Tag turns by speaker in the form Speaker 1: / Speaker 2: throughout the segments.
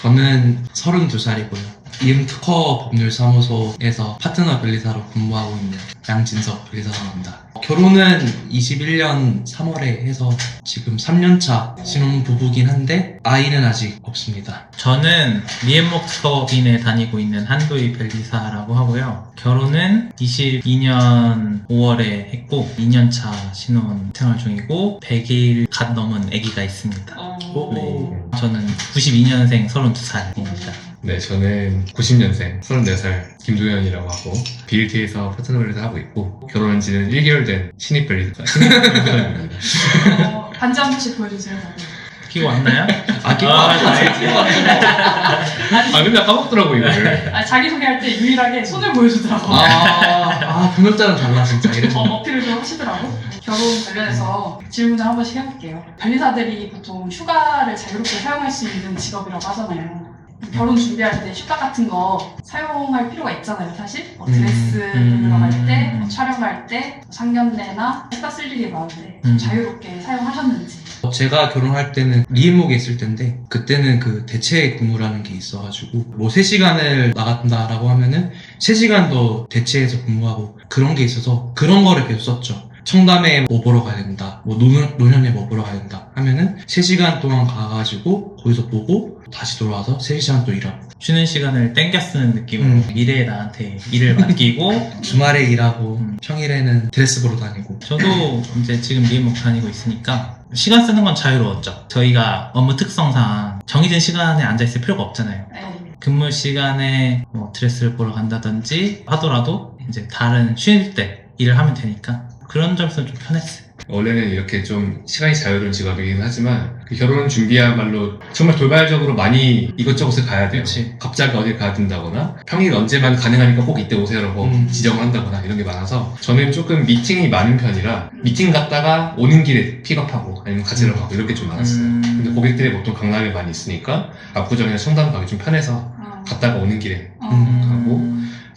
Speaker 1: 저는 32살이고요. 이음특허 법률사무소에서 파트너 변리사로 근무하고 있는 양진석 변리사라고 합니다. 결혼은 21년 3월에 해서 지금 3년차 신혼부부긴 한데 아이는 아직 없습니다.
Speaker 2: 저는 미앤목 특허법인에 다니고 있는 한도희 변리사라고 하고요. 결혼은 22년 5월에 했고 2년차 신혼 생활 중이고 100일 갓 넘은 아기가 있습니다. 네. 저는 92년생 32살입니다.
Speaker 3: 네, 저는 90년생 34살 김도현이라고 하고 BLT에서 파트너 변리사 하고 있고 결혼한 지는 1개월 된 신입 변리사 신입입니다.
Speaker 4: 반지 한 번씩 보여주세요.
Speaker 2: 끼고 왔나요?
Speaker 1: 끼고
Speaker 3: 아 근데 까먹더라고 이거를.
Speaker 4: 자기소개할 때 유일하게 손을 보여주더라고.
Speaker 1: 경력자는 달라 진짜 이래서.
Speaker 4: 어필을 좀 하시더라고. 결혼 관련해서 질문을 한 번씩 해볼게요. 변리사들이 보통 휴가를 자유롭게 사용할 수 있는 직업이라고 하잖아요. 결혼 준비할 때 휴가 같은 거 사용할 필요가 있잖아요, 사실. 드레스 들어갈 때, 촬영 갈 때, 상견례나 휴가 쓸 일이 많은데 좀 자유롭게 사용하셨는지.
Speaker 1: 제가 결혼할 때는 리엠목에 있을 텐데 그때는 그 대체 근무라는 게 있어가지고 뭐 3시간을 나간다라고 하면은 3시간 더 대체해서 근무하고 그런 게 있어서 그런 거를 계속 썼죠. 청담에 뭐 보러 가야 된다, 뭐 노년에 뭐 보러 가야 된다 하면은 3시간 동안 가가지고 거기서 보고 다시 돌아와서 3시간 또 일하고
Speaker 2: 쉬는 시간을 땡겨 쓰는 느낌으로 미래의 나한테 일을 맡기고
Speaker 1: 주말에 일하고 평일에는 드레스 보러 다니고.
Speaker 2: 저도 이제 지금 미앤목 다니고 있으니까 시간 쓰는 건 자유로웠죠. 저희가 업무 특성상 정해진 시간에 앉아있을 필요가 없잖아요. 근무 시간에 뭐 드레스를 보러 간다든지 하더라도 이제 다른 쉴 때 일을 하면 되니까 그런 점에서 좀 편했어요.
Speaker 3: 원래는 이렇게 좀 시간이 자유로운 직업이긴 하지만 그 결혼 준비야말로 정말 돌발적으로 많이 이것저것을 가야 돼요.
Speaker 2: 그치.
Speaker 3: 갑자기 어딜 가야 된다거나 평일 언제만 가능하니까 꼭 이때 오세요라고 지정을 한다거나 이런 게 많아서 저는 조금 미팅이 많은 편이라 미팅 갔다가 오는 길에 픽업하고 아니면 가지러 가고 이렇게 좀 많았어요. 근데 고객들이 보통 강남에 많이 있으니까 압구정이나 청담 가기 좀 편해서 갔다가 오는 길에 가고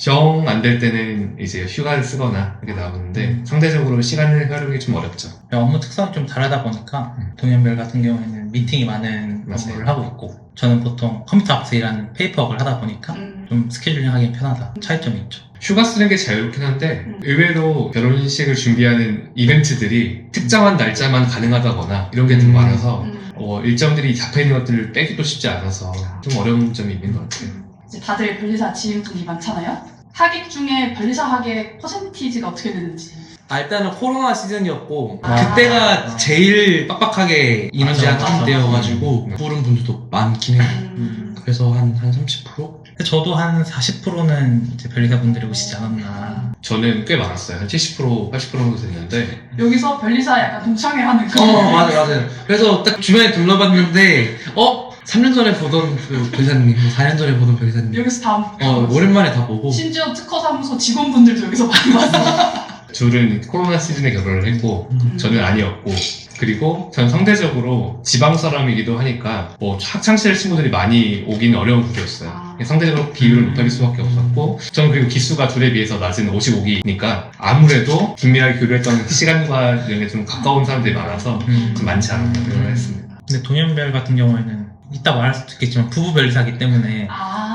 Speaker 3: 정 안 될 때는 이제 휴가를 쓰거나 이렇게 나오는데 상대적으로 시간을 활용이 좀 어렵죠.
Speaker 2: 업무 특성이 좀 다르다 보니까 동현별 같은 경우에는 미팅이 많은 업무를 하고 있고 저는 보통 컴퓨터 앞에서 일하는 페이퍼업을 하다 보니까 좀 스케줄링 하기 편하다 차이점이 있죠.
Speaker 3: 휴가 쓰는 게 자유롭긴 한데 의외로 결혼식을 준비하는 이벤트들이 특정한 날짜만 가능하다거나 이런 게 좀 많아서 일정들이 잡혀있는 것들을 빼기도 쉽지 않아서 좀 어려운 점이 있는 것 같아요.
Speaker 4: 이제 다들 변리사 지인분이 많잖아요. 하객 중에 변리사 하객 퍼센티지가 어떻게 되는지.
Speaker 1: 일단은 코로나 시즌이었고 그때가 제일 빡빡하게 인원 제한한 때여가지고 부른 분들도 많긴 해요. 그래서 한 30%?
Speaker 2: 저도 한 40%는 이제 변리사분들이 오시지 않았나.
Speaker 3: 저는 꽤 많았어요. 한 70%, 80% 정도 됐는데
Speaker 4: 여기서 변리사 약간 동창회하는 거.
Speaker 1: 맞아요. 그래서 딱 주변에 둘러봤는데 3년 전에 보던 그 변리사님, 4년 전에 보던 변리사님
Speaker 4: 여기서 다
Speaker 1: 오랜만에 다 보고
Speaker 4: 심지어 특허사무소 직원분들도 여기서 많이 봤어.
Speaker 3: 둘은 코로나 시즌에 결혼을 했고 저는 아니었고 그리고 전 상대적으로 지방 사람이기도 하니까 뭐 학창시절 친구들이 많이 오긴 어려운 구조였어요. 상대적으로 비율을 높일 수밖에 없었고 저는 그리고 기수가 둘에 비해서 낮은 55기니까 아무래도 긴밀하게 교류했던 시간과 이런 게 좀 가까운 사람들이 많아서 좀 많지 않았나 생각을 했습니다.
Speaker 2: 근데 동현별 같은 경우에는 이따 말할 수도 있겠지만 부부 변리사기 때문에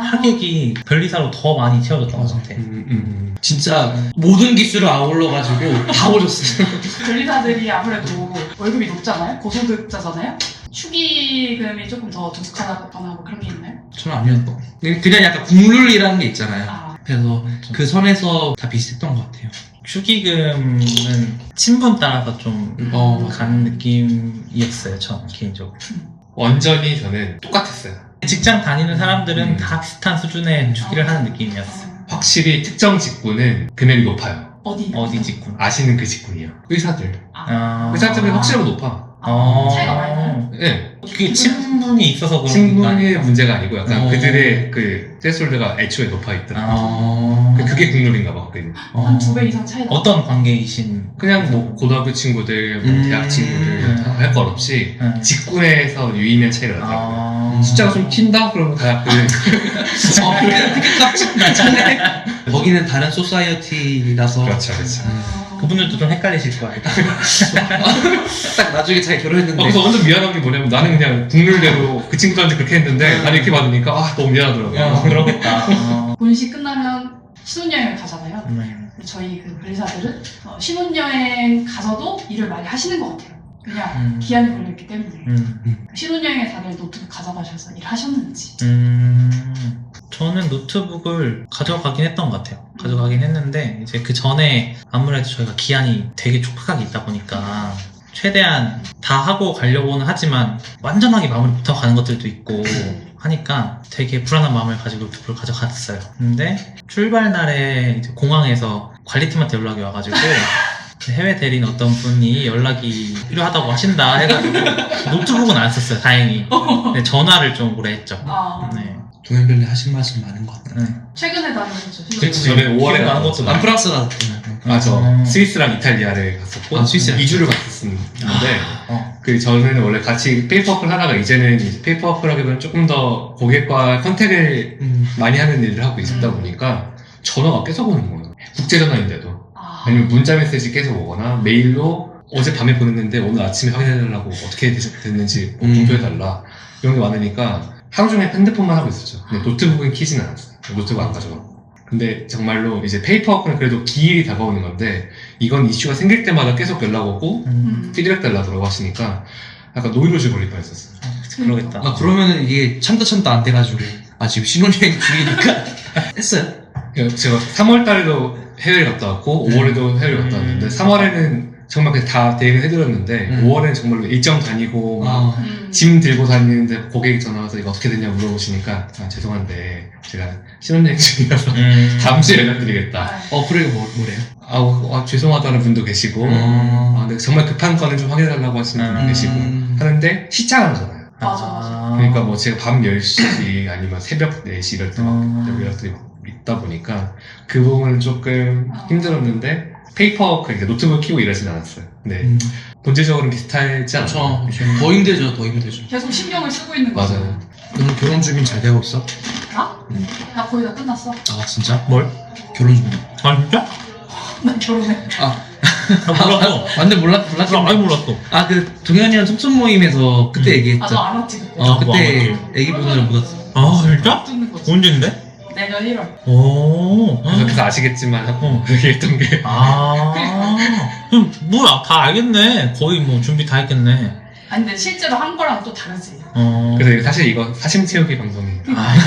Speaker 2: 하객이 변리사로 더 많이 채워졌던 것 같아.
Speaker 1: 진짜 모든 기술을 아울러가지고 다 오셨어요.
Speaker 4: 변리사들이 아무래도 월급이 높잖아요. 고소득자잖아요. 축의금이 조금 더 두둑하거나 뭐 그런 게 있나요?
Speaker 1: 저는 아니었던. 그냥 약간 국룰이라는 게 있잖아요. 그래서 그 선에서 다 비슷했던 것 같아요.
Speaker 2: 축의금은 친분 따라서 좀 가는 느낌이었어요. 저는 개인적으로.
Speaker 3: 완전히 저는 똑같았어요.
Speaker 2: 직장 다니는 사람들은 다 비슷한 수준의 축의를 하는 느낌이었어요.
Speaker 3: 확실히 특정 직군은 금액이 높아요.
Speaker 2: 어디 직군?
Speaker 3: 아시는 그 직군이요. 의사들. 의사들은 확실하게 높아.
Speaker 4: 차이가 많이 나요?
Speaker 3: 네.
Speaker 2: 그게 친분이 있어서 그런
Speaker 3: 친분의 문제가 아니고 약간 그들의 그 스레스홀드가 애초에 높아 있더라고요. 그게 국룰인가 봐.
Speaker 4: 한 2배 이상 차이 나.
Speaker 2: 어떤 관계이신?
Speaker 3: 그냥 뭐 고등학교 친구들, 뭐 대학 친구들 할 것 없이 직군에서 유의미한 차이가 나더라고요. 숫자가 좀 튄다? 그러면 다
Speaker 1: 되게 깜찍 나잖아요. 거기는 다른 소사이어티라서.
Speaker 3: 그렇죠.
Speaker 2: 그분들도 좀 헷갈리실 거예요.
Speaker 1: 딱 나중에 잘 결혼했는데
Speaker 3: 그래서 완전 미안한 게 뭐냐면 나는 그냥 국룰대로 그 친구들한테 그렇게 했는데 나는 이렇게 받으니까 너무 미안하더라고요.
Speaker 2: 그러겠다.
Speaker 4: 본식 끝나면 신혼여행을 가잖아요.
Speaker 2: 네.
Speaker 4: 저희 그 변리사들은 신혼여행 가서도 일을 많이 하시는 것 같아요. 그냥 기한이 걸렸기 때문에. 신혼여행에 다들 노트북 가져가셔서 일하셨는지.
Speaker 2: 저는 노트북을 가져가긴 했던 것 같아요. 가져가긴 했는데 이제 그 전에 아무래도 저희가 기한이 되게 촉박하게 있다 보니까 최대한 다 하고 가려고는 하지만 완전하게 마무리 못하고 가는 것들도 있고 하니까 되게 불안한 마음을 가지고 노트북을 가져갔어요. 근데 출발 날에 이제 공항에서 관리팀한테 연락이 와가지고 해외 대리인 어떤 분이 연락이 필요하다고 하신다 해가지고 노트북은 안 썼어요, 다행히. 근데 전화를 좀 오래 했죠. 네.
Speaker 1: 동행별로 하신 말씀 많은 것 같아요.
Speaker 4: 최근에 다녀오셨죠?
Speaker 3: 그렇지, 저는 5월에
Speaker 2: 기억 나는
Speaker 3: 나온
Speaker 2: 것도
Speaker 1: 난 프랑스 갔대요.
Speaker 3: 저 스위스랑 이탈리아를 갔었고
Speaker 1: 아, 스위스랑
Speaker 3: 2주를 갔었는데
Speaker 2: 어.
Speaker 3: 그 전에는 원래 같이 페이퍼워크를 하다가 이제는 이제 페이퍼워크라기보다는 조금 더 고객과 컨택을 많이 하는 일을 하고 있었다 보니까 전화가 계속 오는 거예요. 국제전화인데도. 아니면 문자 메시지 계속 오거나 메일로 어젯밤에 보냈는데 오늘 아침에 확인해달라고 어떻게 됐는지 공표해달라 이런 게 많으니까 하루 종일 핸드폰만 하고 있었죠. 근데 노트북은 키지는 않았어요. 노트북 안 가져가고. 근데 정말로 이제 페이퍼워크는 그래도 기일이 다가오는 건데 이건 이슈가 생길 때마다 계속 연락 오고 피드백 달라고 하시니까 약간 노이로즈 걸릴 뻔했었어요.
Speaker 2: 그러겠다.
Speaker 1: 그러면은 이게 참다 안 돼가지고 지금 신혼여행 중이니까 했어요.
Speaker 3: 제가 3월 달에도 해외를 갔다 왔고 5월에도 해외를 갔다 왔는데 3월에는 정말 그냥 다 대응을 해드렸는데 5월에는 정말로 일정 다니고 막 짐 들고 다니는데 고객이 전화 와서 이거 어떻게 됐냐 물어보시니까 죄송한데 제가 신혼여행 중이라서 다음 주에 연락드리겠다.
Speaker 1: 그래 뭐래요?
Speaker 3: 죄송하다는 분도 계시고 근데 정말 급한 건을 좀 확인해달라고 하시는 분도 계시고 하는데 시차가 나잖아요.
Speaker 4: 맞아.
Speaker 3: 그러니까 뭐 제가 밤 10시 아니면 새벽 4시 이럴 때 막 연락들이 막 있다 보니까 그 부분은 조금 힘들었는데 페이퍼워크, 그러니까 노트북을 키고 일하진 않았어요. 근데 본질적으로는 비슷하지 않아요?
Speaker 1: 더 힘들죠.
Speaker 4: 계속 신경을 쓰고 있는 거죠.
Speaker 3: 맞아요.
Speaker 1: 너는 결혼 준비 잘 되고 있어?
Speaker 4: 나? 나 거의 다 끝났어.
Speaker 1: 진짜?
Speaker 2: 뭘?
Speaker 1: 결혼 준비.
Speaker 2: 아 진짜?
Speaker 4: 나 결혼해.
Speaker 2: 몰랐어.
Speaker 1: 완전 몰랐겠네.
Speaker 2: 아예 몰랐어.
Speaker 1: 그 동현이랑 속속 모임에서 그때 얘기했죠.
Speaker 4: 너 알았지 그때.
Speaker 1: 그때 애기 분을 묻었어.
Speaker 2: 아 진짜?
Speaker 4: 듣는 거지.
Speaker 2: 언젠데?
Speaker 4: 내년 1월.
Speaker 2: 오.
Speaker 3: 그래서 아시겠지만 그렇게 했던 게
Speaker 2: 뭐야, 다 알겠네. 거의 뭐 준비 다 했겠네.
Speaker 4: 아니 근데 실제로 한 거랑 또 다르지.
Speaker 3: 그래서 사실 이거 사심 채우기 방송이에요.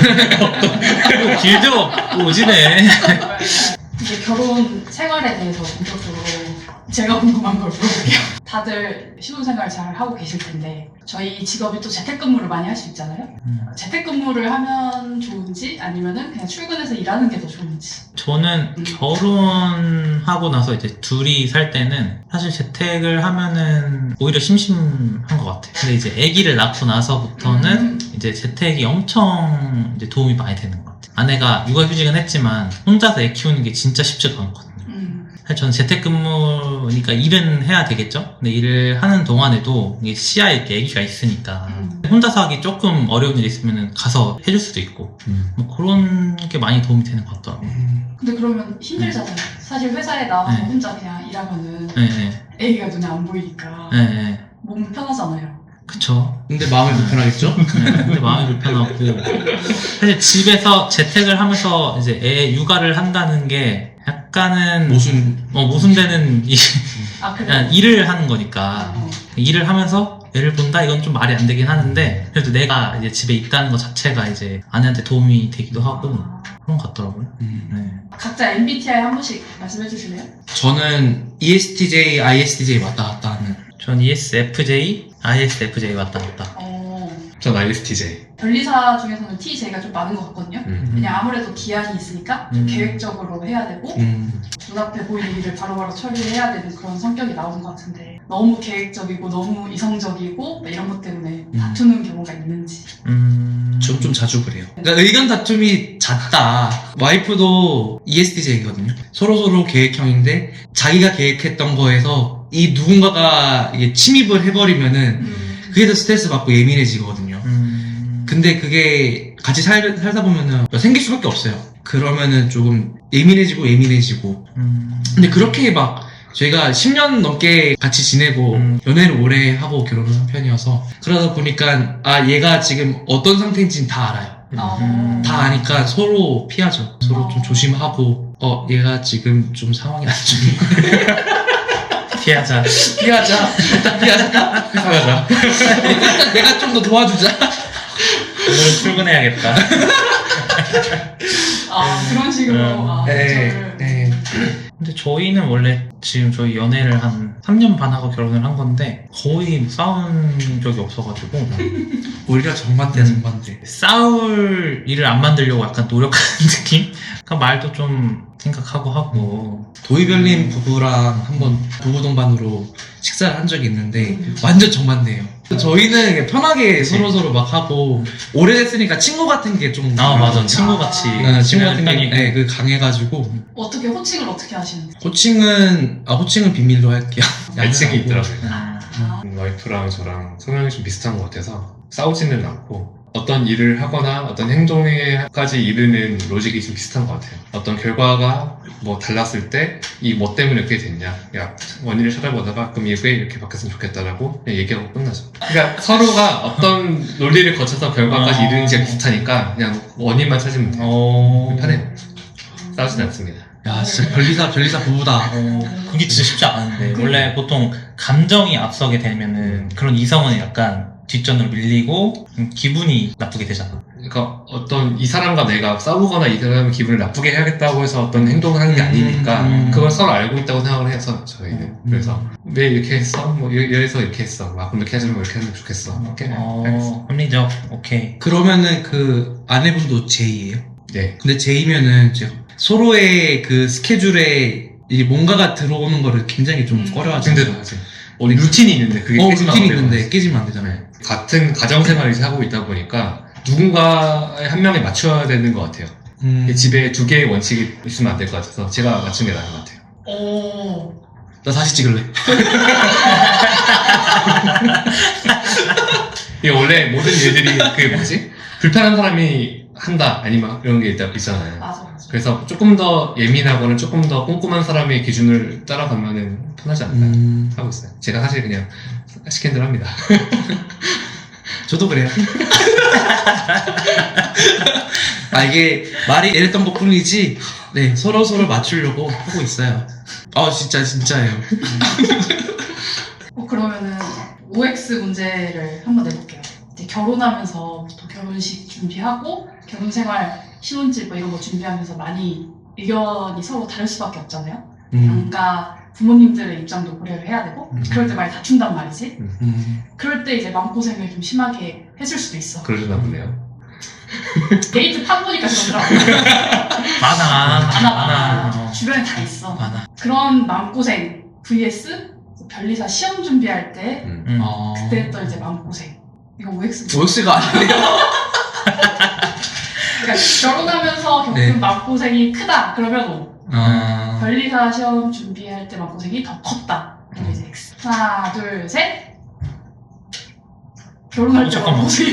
Speaker 2: 길죠? 오지네.
Speaker 4: 이제 결혼 생활에 대해서 본격적으로 제가 궁금한 걸 물어볼게요. 다들 신혼생활 잘 하고 계실 텐데 저희 직업이 또 재택근무를 많이 할 수 있잖아요. 재택근무를 하면 좋은지 아니면은 그냥 출근해서 일하는 게 더 좋은지.
Speaker 2: 저는 결혼하고 나서 이제 둘이 살 때는 사실 재택을 하면은 오히려 심심한 것 같아요. 근데 이제 아기를 낳고 나서부터는 이제 재택이 엄청 이제 도움이 많이 되는 것 같아요. 아내가 육아휴직은 했지만 혼자서 애 키우는 게 진짜 쉽지가 않거든요. 사실 저는 재택근무니까 일은 해야 되겠죠? 근데 일을 하는 동안에도 이게 시야에 이렇게 아기가 있으니까 혼자서 하기 조금 어려운 일이 있으면 가서 해줄 수도 있고 뭐 그런 게 많이 도움이 되는 것 같더라고요.
Speaker 4: 근데 그러면 힘들잖아요. 사실 회사에 나와서 혼자 그냥 일하면은 아기가 눈에 안 보이니까 몸 편하잖아요.
Speaker 2: 그쵸.
Speaker 1: 근데 마음이 불편하겠죠?
Speaker 2: 근데 마음이 불편하고 사실 집에서 재택을 하면서 이제 애 육아를 한다는 게 약간은 모순되는
Speaker 4: 그래?
Speaker 2: 일을 하는 거니까 일을 하면서 애를 본다 이건 좀 말이 안 되긴 하는데 그래도 내가 이제 집에 있다는 것 자체가 이제 아내한테 도움이 되기도 하고 그런 것 같더라고요. 네.
Speaker 4: 각자 MBTI 한 번씩 말씀해 주실래요?
Speaker 1: 저는 ESTJ, ISTJ 왔다 갔다 하는.
Speaker 2: 전 ESFJ, ISFJ 왔다 갔다.
Speaker 3: 전 ISTJ.
Speaker 4: 변리사 중에서는 TJ가 좀 많은 것 같거든요. 그냥 아무래도 기한이 있으니까 좀 계획적으로 해야 되고 눈앞에 보이는 일을 바로바로 처리해야 되는 그런 성격이 나오는 것 같은데 너무 계획적이고 너무 이성적이고 이런 것 때문에 다투는 경우가 있는지.
Speaker 1: 좀 자주 그래요. 그러니까 의견 다툼이 잦다. 와이프도 ESTJ거든요. 서로 계획형인데 자기가 계획했던 거에서 이 누군가가 이게 침입을 해버리면은 그게 더 스트레스 받고 예민해지거든요. 근데 그게 같이 살다 보면은 생길 수밖에 없어요. 그러면은 조금 예민해지고 근데 그렇게 막 저희가 10년 넘게 같이 지내고 연애를 오래 하고 결혼을 한 편이어서 그러다 보니까 얘가 지금 어떤 상태인지는 다 알아요. 다 아니까 서로 피하죠. 서로 좀 조심하고 얘가 지금 좀 상황이 안 좋네.
Speaker 2: 피하자.
Speaker 1: 피하자. 일단 피하자.
Speaker 3: 피하자.
Speaker 1: 일단 내가 좀 더 도와주자.
Speaker 2: 오늘 출근해야겠다.
Speaker 4: 그런 식으로.
Speaker 1: 네.
Speaker 2: 근데 저희는 원래 지금 저희 연애를 한 3년 반 하고 결혼을 한 건데 거의 싸운 적이 없어가지고
Speaker 1: 오히려 정반대야, 정반대.
Speaker 2: 싸울 일을 안 만들려고 약간 노력하는 느낌? 그러니까 말도 좀 생각하고 하고.
Speaker 1: 도희별님 부부랑 한번 부부 동반으로 식사를 한 적이 있는데 완전 정반대예요. 저희는 그냥 편하게 서로서로 막 하고 오래됐으니까 친구 같은 게 좀
Speaker 2: 맞아. 친구같이.
Speaker 1: 친구 같은 게 그 강해가지고
Speaker 4: 어떻게 호칭을 어떻게 하시는지.
Speaker 1: 호칭은 비밀로 할게요.
Speaker 3: 애칭이 있더라고요.
Speaker 4: 아.
Speaker 3: 와이프랑 저랑 성향이 좀 비슷한 것 같아서 싸우지는 않고 어떤 일을 하거나 어떤 행동에까지 이르는 로직이 좀 비슷한 것 같아요. 어떤 결과가 뭐 달랐을 때 이 뭐 때문에 이렇게 됐냐, 야 원인을 찾아보다가 그럼 이게 이렇게 바뀌었으면 좋겠다라고 그냥 얘기하고 끝나죠. 그러니까 서로가 어떤 논리를 거쳐서 결과까지 이르는지가 비슷하니까 그냥 원인만 찾으면 돼요. 편해요. 싸우진 않습니다.
Speaker 1: 야 진짜 별리사 부부다.
Speaker 2: 그게 진짜 쉽지 않은데 원래 보통 감정이 앞서게 되면은 그런 이성은 약간 뒷전으로 밀리고 기분이 나쁘게 되잖아.
Speaker 3: 그러니까 어떤 이 사람과 내가 싸우거나 이 사람의 기분을 나쁘게 해야겠다고 해서 어떤 행동을 하는 게 아니니까 그걸 서로 알고 있다고 생각을 해서 저희는 그래서 왜 이렇게 했어? 뭐 이래서 이렇게 했어. 막 그럼 이렇게 하자면 이렇게 하면 좋겠어. 이렇게 알겠어.
Speaker 2: 합리적. 오케이.
Speaker 1: 그러면은 그 아내분도 J예요?
Speaker 3: 네.
Speaker 1: 근데 J면은 이제 서로의 그 스케줄에 이 뭔가가 들어오는 거를 굉장히 좀 꺼려하죠.
Speaker 3: 힘들어하지. 우리 루틴이 있는데 그게 깨지면
Speaker 1: 루틴이
Speaker 3: 안
Speaker 1: 있는데
Speaker 3: 되고.
Speaker 1: 깨지면 안 되잖아요.
Speaker 3: 같은 가정생활을 이제 하고 있다 보니까 누군가의 한 명에 맞춰야 되는 것 같아요. 집에 두 개의 원칙이 있으면 안 될 것 같아서 제가 맞춘 게 나은 것 같아요.
Speaker 1: 나 다시 찍을래.
Speaker 3: 이게 원래 모든 일들이 그 뭐지? 불편한 사람이 한다 아니면 이런 게 있잖아요.
Speaker 4: 맞아.
Speaker 3: 그래서 조금 더 예민하거나 조금 더 꼼꼼한 사람의 기준을 따라가면은 편하지 않을까 하고 있어요. 제가 사실 그냥 시킨 대로 합니다.
Speaker 1: 저도 그래요. 이게 말이 이랬던 것 뿐이지, 네, 서로 맞추려고 하고 있어요. 진짜예요.
Speaker 4: 그러면은 OX 문제를 한번 내볼게요. 이제 결혼하면서 또 결혼식 준비하고 결혼생활, 신혼집 뭐 이런 거 준비하면서 많이 의견이 서로 다를 수밖에 없잖아요. 그러니까 부모님들의 입장도 고려를 해야 되고 그럴 때 많이 다툰단 말이지. 그럴 때 이제 마음고생을 좀 심하게 해줄 수도 있어.
Speaker 3: 그러려나 보네요.
Speaker 4: 데이트 파보니까 그러더라고. 많아. 주변에 다 있어.
Speaker 2: 많아.
Speaker 4: 그런 마음고생 vs 변리사 시험 준비할 때 그때 했던 이제 마음고생. 이거 OX.
Speaker 1: OX가 아니에요.
Speaker 4: 그러니까 결혼하면서 겪은
Speaker 1: 네.
Speaker 4: 마음고생이 크다. 그러면 O.
Speaker 1: 아.
Speaker 4: 변리사 시험 준비할 때 마음고생이 더 컸다. 그럼 이제 X. 하나, 둘, 셋. 결혼할 때
Speaker 2: 잠깐만.
Speaker 4: 마음고생이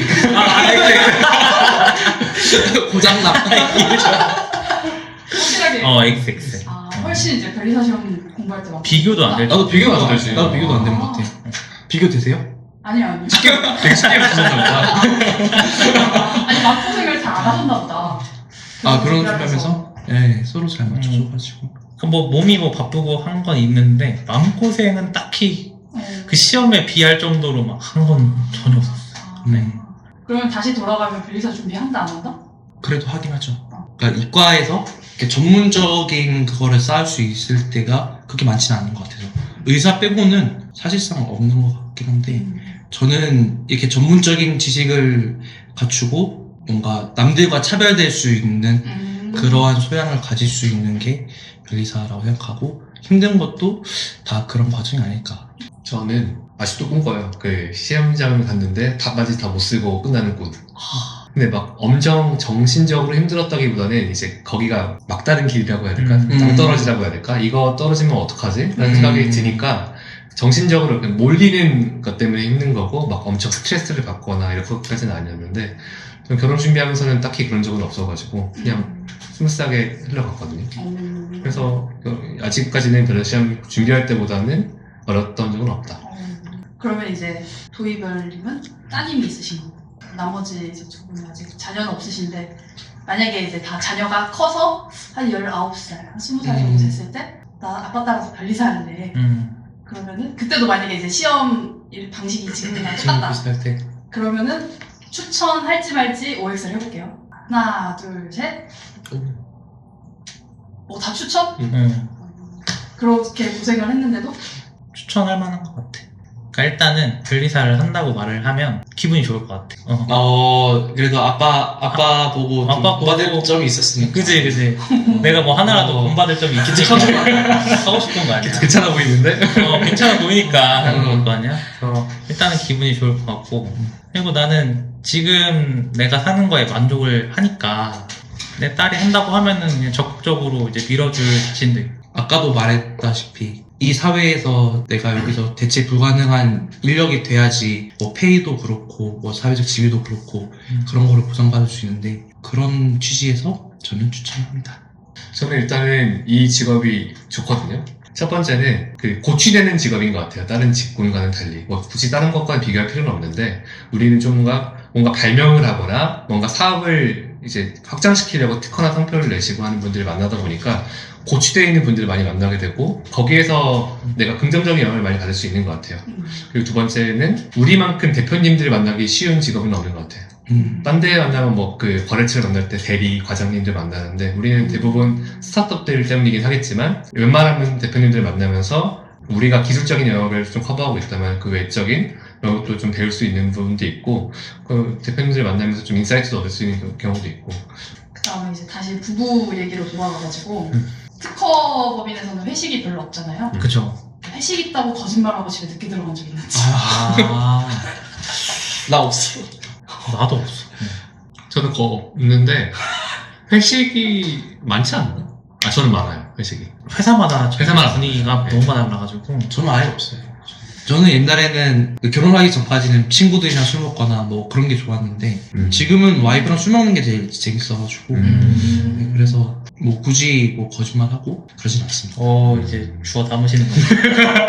Speaker 1: 고장나.
Speaker 4: 확실하게.
Speaker 2: XX.
Speaker 4: 훨씬 이제 변리사 시험 공부할 때 마음고생.
Speaker 2: 비교도 안 될.
Speaker 1: 나도 비교가 안
Speaker 3: 되지.
Speaker 1: 되지. 나도 비교도 안 되는 것 같아. 비교 되세요?
Speaker 4: 아니요.
Speaker 3: 되게 쉽게 붙였나 보다.
Speaker 4: 아니 마음고생을 잘 안 하셨나 보다.
Speaker 1: 그런 소리 하면서? 네, 서로 잘 맞춰줘가지고.
Speaker 2: 뭐 몸이 뭐 바쁘고 한 건 있는데 마음고생은 딱히 그 시험에 비할 정도로 막 한 건 전혀 없었어요.
Speaker 4: 그러면 다시 돌아가면 변리사 준비한다 안 한다?
Speaker 1: 그래도 하긴 하죠. 그러니까 이과에서 이렇게 전문적인 그거를 쌓을 수 있을 때가 그렇게 많지는 않은 것 같아서 의사 빼고는 사실상 없는 것 같긴 한데 저는 이렇게 전문적인 지식을 갖추고 뭔가 남들과 차별될 수 있는 그러한 소양을 가질 수 있는 게 변리사라고 생각하고 힘든 것도 다 그런 과정이 아닐까.
Speaker 3: 저는 아직도 꿈꿔요. 그 시험장을 갔는데 답까지 다 못 쓰고 끝나는 꿈. 근데 막 엄청 정신적으로 힘들었다기보다는 이제 거기가 막다른 길이라고 해야 될까? 낭떠러지라고 해야 될까? 이거 떨어지면 어떡하지? 라는 생각이 드니까 정신적으로 그냥 몰리는 것 때문에 힘든 거고 막 엄청 스트레스를 받거나 이렇게까지는 아니었는데 좀 결혼 준비하면서는 딱히 그런 적은 없어가지고 그냥 스무스하게 흘러갔거든요. 그래서 아직까지는 별로 시험 준비할 때보다는 어렸던 적은 없다.
Speaker 4: 그러면 이제 도희별님은 따님이 있으신 거고 나머지 이제 두 분은 아직 자녀는 없으신데 만약에 이제 다 자녀가 커서 한 19살, 한 20살 정도 됐을 때 나 아빠 따라서 변리사할래. 그러면은 그때도 만약에 이제 시험 방식이 지금이랑
Speaker 1: 지금
Speaker 4: 똑같다.
Speaker 1: 비슷할 때
Speaker 4: 그러면은 추천할지 말지 OX를 해볼게요. 하나, 둘, 셋. 다 추천? 그렇게 고생을 했는데도
Speaker 2: 추천할 만한 것 같아. 그러니까 일단은 변리사를 한다고 말을 하면 기분이 좋을 것 같아.
Speaker 1: 그래도 아빠 보고
Speaker 2: 아빠
Speaker 1: 좀 받을
Speaker 2: 보고-
Speaker 1: 점이 있었으니까.
Speaker 2: 그지. 내가 뭐 하나라도 본받을 점이 있기 때문에 하고 싶은 거 아니야.
Speaker 3: 괜찮아 보이는데?
Speaker 2: 괜찮아 보이니까 하는 거 아니야? 그래서 일단은 기분이 좋을 것 같고 그리고 나는 지금 내가 사는 거에 만족을 하니까 내 딸이 한다고 하면은 그냥 적극적으로 이제 밀어줄 자신도 있고
Speaker 1: 아까도 말했다시피 이 사회에서 내가 여기서 대체 불가능한 인력이 돼야지 뭐 페이도 그렇고 뭐 사회적 지위도 그렇고 그런 거를 보상받을 수 있는데 그런 취지에서 저는 추천합니다.
Speaker 3: 저는 일단은 이 직업이 좋거든요. 첫 번째는 그 고취되는 직업인 것 같아요. 다른 직군과는 달리. 뭐 굳이 다른 것과 비교할 필요는 없는데 우리는 좀 뭔가 발명을 하거나 뭔가 사업을 이제 확장시키려고 특허나 상표를 내시고 하는 분들을 만나다 보니까 고취되어 있는 분들을 많이 만나게 되고 거기에서 내가 긍정적인 영향을 많이 받을 수 있는 것 같아요. 그리고 두 번째는 우리만큼 대표님들을 만나기 쉬운 직업은 없는 것 같아요. 딴 데 만나면 뭐 그 거래처를 만날 때 대리, 과장님들 만나는데 우리는 대부분 스타트업들 때문이긴 하겠지만 웬만하면 대표님들을 만나면서 우리가 기술적인 영역을 좀 커버하고 있다면 그 외적인 영역도 좀 배울 수 있는 부분도 있고 그 대표님들을 만나면서 좀 인사이트도 얻을 수 있는 경우도 있고
Speaker 4: 그 다음에 이제 다시 부부 얘기로 돌아가가지고 특허법인에서는 회식이 별로 없잖아요.
Speaker 2: 그쵸.
Speaker 4: 회식 있다고 거짓말하고 집에 늦게 들어간 적 있는지.
Speaker 1: 나 없어.
Speaker 2: 나도 없어.
Speaker 3: 저는 그거 없는데 회식이 많지 않나? 저는 많아요. 회식이.
Speaker 2: 회사마다
Speaker 3: 회사마다
Speaker 2: 분위기가
Speaker 3: 네.
Speaker 2: 너무 달라가지고
Speaker 1: 저는 아예 없어요. 저는 옛날에는 결혼하기 전까지는 친구들이랑 술 먹거나 뭐 그런 게 좋았는데 지금은 와이프랑 술 먹는 게 제일 재밌어가지고 네, 그래서 뭐 굳이 뭐 거짓말하고 그러진 않습니다.
Speaker 2: 이제 주워 담으시는 거예요.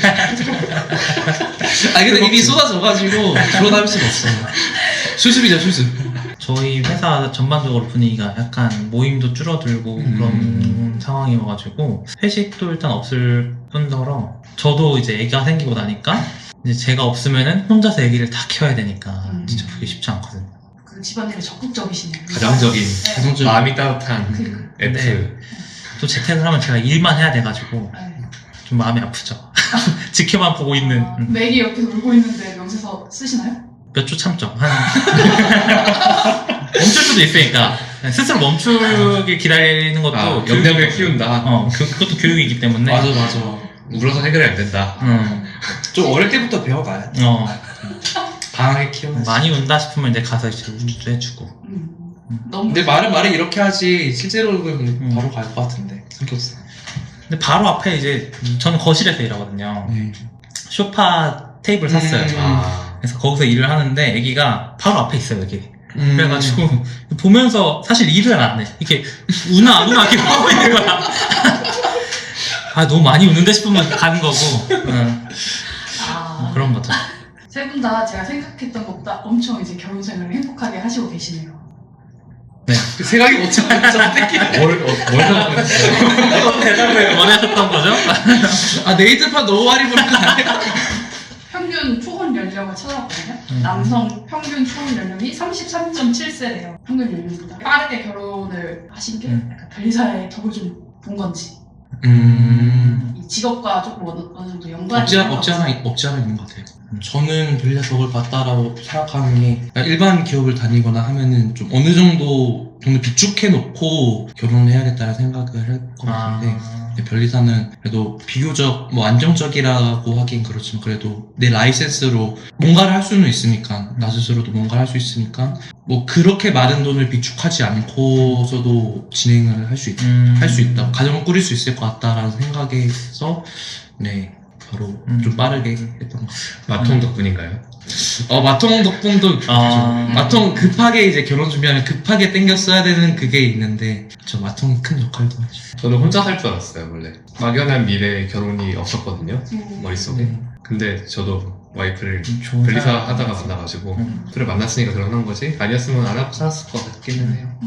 Speaker 1: 근데 입이 쏟아져가지고 주워 담을 수가 없어요. 수습이죠, 수습.
Speaker 2: 저희 회사 전반적으로 분위기가 약간 모임도 줄어들고 그런 상황이어가지고 회식도 일단 없을 뿐더러 저도 이제 애기가 생기고 나니까 이제 제가 없으면은 혼자서 애기를 다 키워야 되니까 진짜 그게 쉽지 않거든요.
Speaker 4: 그 집안일에 적극적이시네요.
Speaker 3: 가정적인
Speaker 4: 네.
Speaker 3: 마음이 따뜻한
Speaker 4: 그-
Speaker 3: F.
Speaker 2: 네. 또 재택을 하면 제가 일만 해야 돼가지고
Speaker 4: 네.
Speaker 2: 좀 마음이 아프죠. 지켜만 보고 있는
Speaker 4: 맥이 옆에서 울고 있는데 명세서 쓰시나요?
Speaker 2: 몇 주 참죠. 멈출 수도 있으니까 스스로 멈추길 기다리는 것도
Speaker 3: 역량을 키운다.
Speaker 2: 그것도 교육이기 때문에
Speaker 1: 맞아.
Speaker 3: 울어서 해결이 안 된다.
Speaker 1: 좀 어릴 때부터 배워가야 돼. 강하게 키우는.
Speaker 2: 많이 운다 싶으면 이제 가서 이제 우주도 해주고.
Speaker 4: 너무.
Speaker 1: 근데 말은 이렇게 하지 실제로는 바로 갈 것 같은데 성격상.
Speaker 2: 근데 바로 앞에 이제 저는 거실에서 일하거든요.
Speaker 1: 네.
Speaker 2: 소파 테이블 샀어요. 그래서 거기서 일을 하는데 애기가 바로 앞에 있어요, 여기. 그래가지고 보면서 사실 일을 안 해. 이렇게 우나 안 우나 이렇게 하고 있는 거야. 너무 많이 우는데 싶으면 가는 거고. 그런 거죠.
Speaker 4: 세 분 다 제가 생각했던 것보다 엄청 이제 결혼 생활을 행복하게 하시고 계시네요.
Speaker 2: 네.
Speaker 1: 생각이 못 잡았는데.
Speaker 3: 뭘 생각했어요?
Speaker 2: 대답을 원하셨던 거죠?
Speaker 1: 네이트판 너무 많이 보는 거 아니야?
Speaker 4: 평균 초혼 연령을 찾아봤거든요. 남성 평균 초혼 연령이 33.7세래요. 평균 연령보다. 빠르게 결혼을 하신 게 약간 변리사의 덕을 좀 본 건지. 이 직업과 조금 어느 정도 연관이
Speaker 1: 없지 않아 있는 것 같아요. 저는 변리사 덕을 봤다라고 생각하는 게 일반 기업을 다니거나 하면은 좀 어느 정도 비축해 놓고 결혼을 해야겠다는 생각을 할 것 같은데 변리사는 그래도 비교적 뭐 안정적이라고 하긴 그렇지만 그래도 내 라이센스로 뭔가를 할 수는 있으니까 나 스스로도 뭔가를 할 수 있으니까 뭐 그렇게 많은 돈을 비축하지 않고서도 진행을 할 수 있다 가정을 꾸릴 수 있을 것 같다라는 생각에서 네 바로 좀 빠르게 했던 것 같아요.
Speaker 3: 마통 덕분인가요?
Speaker 1: 마통 덕분도
Speaker 2: 아.
Speaker 1: 마통 급하게 이제 결혼 준비하면 급하게 땡겼어야 되는 그게 있는데 저 마통이 큰 역할도 하죠.
Speaker 3: 저는 혼자 살 줄 알았어요, 원래. 막연한 미래에 결혼이 없었거든요,
Speaker 4: 음.
Speaker 3: 머릿속에. 근데 저도 와이프를
Speaker 2: 좋은
Speaker 3: 변리사
Speaker 2: 사람.
Speaker 3: 하다가 만나가지고
Speaker 2: 음.
Speaker 3: 그래 만났으니까 결혼한 거지? 아니었으면 안 하고 살았을 것 같기는 해요.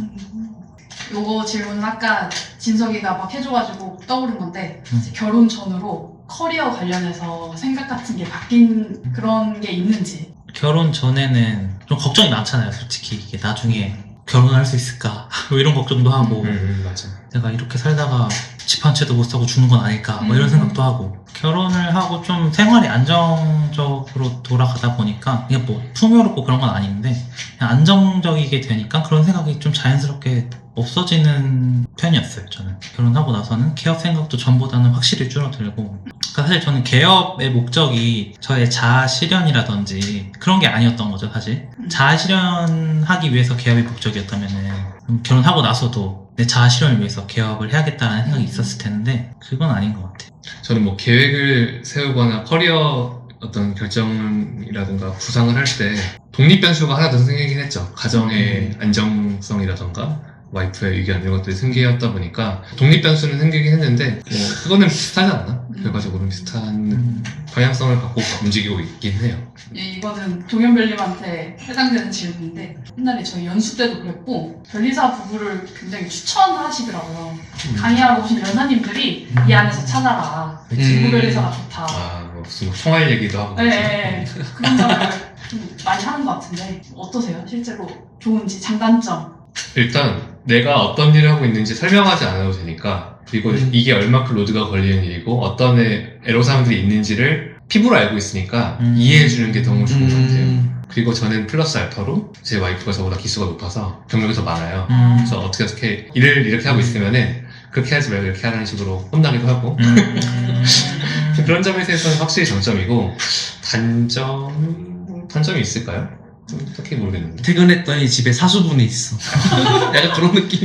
Speaker 4: 요거 질문은 아까 진석이가 막 해줘가지고 떠오른 건데 이제
Speaker 2: 음.
Speaker 4: 결혼 전으로 커리어 관련해서 생각 같은 게 바뀐 그런 게 있는지.
Speaker 2: 결혼 전에는 좀 걱정이 많잖아요, 솔직히. 이게 나중에 결혼할 수 있을까? 뭐 이런 걱정도 하고,
Speaker 3: 맞아.
Speaker 2: 내가 이렇게 살다가 집 한 채도 못 사고 죽는 건 아닐까? 뭐 이런 생각도 하고. 결혼을 하고 좀 생활이 안정적으로 돌아가다 보니까, 이게 뭐 풍요롭고 그런 건 아닌데, 그냥 안정적이게 되니까 그런 생각이 좀 자연스럽게 없어지는 편이었어요, 저는. 결혼하고 나서는 개업 생각도 전보다는 확실히 줄어들고. 그러니까 사실 저는 개업의 목적이 저의 자아 실현이라든지 그런 게 아니었던 거죠, 사실. 자아 실현하기 위해서 개업이 목적이었다면은 결혼하고 나서도 내 자아 실현을 위해서 개업을 해야겠다는 생각이 있었을 텐데 그건 아닌 것 같아요.
Speaker 3: 저는 뭐 계획을 세우거나 커리어 어떤 결정이라든가 구상을 할 때 독립 변수가 하나 더 생기긴 했죠. 가정의 안정성이라든가 와이프의 의견 이런 것들이 생기었다 보니까 독립 변수는 생기긴 했는데 뭐 그거는 비슷하지 않나? 결과적으로는 비슷한 방향성을 갖고 움직이고 있긴 해요.
Speaker 4: 이거는 동현별님한테 해당되는 질문인데 옛날에 저희 연수 때도 그랬고 변리사 부부를 굉장히 추천하시더라고요. 강의하러 오신 연사님들이 이 안에서 찾아라. 부부 변리사가 좋다.
Speaker 3: 뭐 무슨 총알 얘기도 하고
Speaker 4: 네, 그런 점을 좀 많이 하는 것 같은데 어떠세요? 실제로 좋은지 장단점.
Speaker 3: 일단 내가 어떤 일을 하고 있는지 설명하지 않아도 되니까 그리고 이게 얼마큼 로드가 걸리는 일이고 어떤 애로사항들이 있는지를 피부로 알고 있으니까 이해해주는 게 너무 좋은 것 같아요. 그리고 저는 플러스 알파로 제 와이프가 저보다 기수가 높아서 경력이 더 많아요. 그래서 어떻게 일을 이렇게 하고 있으면은 그렇게 하지 말고 이렇게 하라는 식으로 혼나기도 하고 그런 점에 대해서는 확실히 장점이고 단점이 있을까요? 딱히 모르겠는데.
Speaker 1: 퇴근했더니 집에 사수분이 있어. 약간 그런 느낌.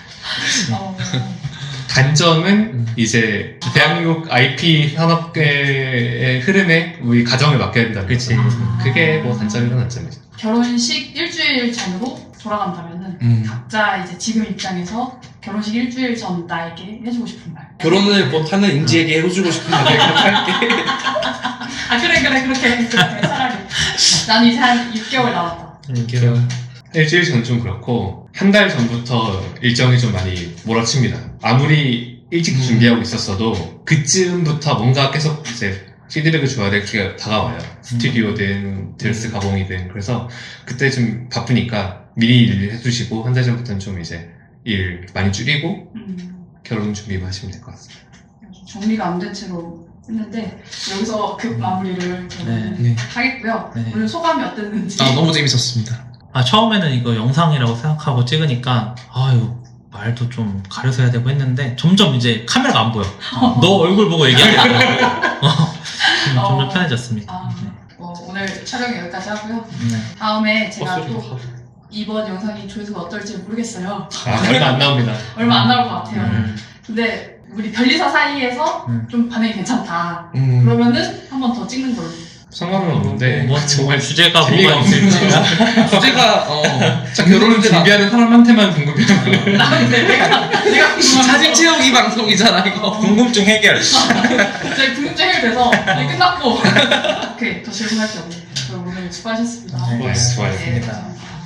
Speaker 3: 단점은 이제 대한민국 IP 산업계의 흐름에 우리 가정을 맡겨야 된다는
Speaker 2: 그치.
Speaker 3: 거죠. 그게 뭐 단점이건 단점이죠.
Speaker 4: 결혼식 일주일 전으로 돌아간다면은 각자 이제 지금 입장에서 결혼식 일주일 전 나에게 해주고 싶은 말.
Speaker 1: 결혼을 못하는 인지에게 해주고 싶은 말 그렇게 할게.
Speaker 4: 아 그래 그렇게 차라리. 난 이제 한 6개월 남았다.
Speaker 3: 일주일 전 좀 그렇고 한 달 전부터 일정이 좀 많이 몰아칩니다. 아무리 일찍 준비하고 있었어도 그쯤부터 뭔가 계속 이제 피드백을 줘야 될 기회가 다가와요. 스튜디오든 드레스 가공이든. 그래서 그때 좀 바쁘니까 미리 일을 해주시고 한 달 전부터는 좀 이제 일 많이 줄이고 결혼 준비만 하시면 될 것 같습니다.
Speaker 4: 정리가 안 된 채로 했는데 여기서 급 마무리를 저는
Speaker 1: 네.
Speaker 4: 하겠고요.
Speaker 2: 네.
Speaker 4: 오늘 소감이 어땠는지.
Speaker 1: 너무 재밌었습니다.
Speaker 2: 처음에는 이거 영상이라고 생각하고 찍으니까 이거 말도 좀 가려서 해야 되고 했는데 점점 이제 카메라가 안 보여. 너 얼굴 보고 얘기하겠다고. 점점 편해졌습니다.
Speaker 4: 오늘 촬영 여기까지 하고요.
Speaker 2: 네.
Speaker 4: 다음에 제가 또 이번 영상이 조회수가 어떨지 모르겠어요.
Speaker 3: 얼마 안 나옵니다.
Speaker 4: 얼마 안 나올 것 같아요. 근데 우리 변리사 사이에서 좀 반응이 괜찮다. 그러면은 한 번 더 찍는 걸로.
Speaker 3: 상관은 없는데
Speaker 2: 정말 주제가
Speaker 3: 재미가
Speaker 2: 뭐가
Speaker 3: 없을지.
Speaker 1: 주제가
Speaker 3: 결혼을 준비하는 사람한테만 궁금해요.
Speaker 4: 내가 궁금한
Speaker 1: 사진 채우기 방송이잖아 이거.
Speaker 2: 궁금증 해결.
Speaker 4: 제 궁금증 해결돼서 끝났고. 오케이, 더 질문할 게 없네. 오늘 수고하셨습니다.
Speaker 2: 네,
Speaker 3: 수고하셨습니다.
Speaker 4: 네.